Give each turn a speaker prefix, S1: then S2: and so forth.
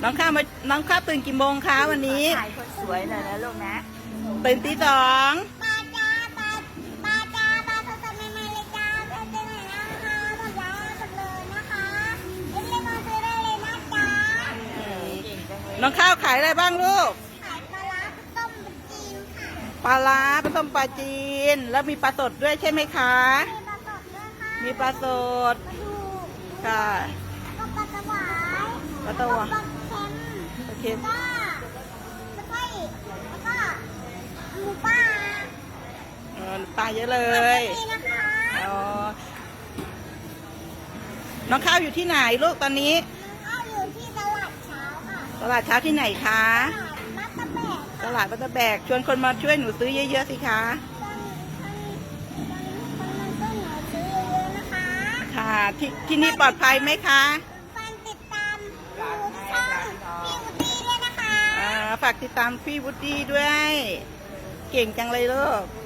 S1: น้องข้าวตื่นกี่โมงคะวันนี้
S2: ถ่ายคนสวยหน่อยนะลูกนะ
S1: ตื่นตีสอง
S3: ปลาจ้าปลาปลาจ้าปลาสดๆใหม่ๆเลยจ้าไปเจอไหนนะคะหมดแล้วหมดเลยนะคะเรียกมาซื้อได้เลยนะจ๊ะ
S1: น้องข้าวขายอะไรบ้างลูก
S3: ขายปลาร้าต้มจีนค่ะ
S1: ปลาร้าผสมปลาจีน แล้วมีปลาสดด้วยใช่ไหมคะ
S3: มีปลาสดด้วยค่ะ
S1: มีปลาสด
S3: ปลาทู
S1: ค่ะ
S3: แล้วก็ปลาสวาย
S1: ปลาตัว
S3: ปลาเค็ม
S1: โอเค
S3: แล้วก็หมูป่า
S1: ปลาเยอะเลย
S3: นี่นะคะ
S1: อ๋อน้องข้าวอยู่ที่ไหนลูกตอนนี้
S3: ข้าวอยู่ที่ตลาดเช้าค่ะ
S1: ตลาดเช้าที่ไหนคะ
S3: ตลาดมัตตะแบก
S1: ตลาดบัตเตอร์แบกชวนคนมาช่วยหนูซื้อเยอะๆสิคะ
S3: คนมาช่วยหนูซื้อเยอะๆนะคะ
S1: ค่ะที่นี่ปลอดภัยไหมคะ
S3: ฟังติดตามดูช่องพี่วุฒิด้วยนะคะ
S1: ฝากติดตามพี่วุฒิด้วย เก่งจังเลยลูก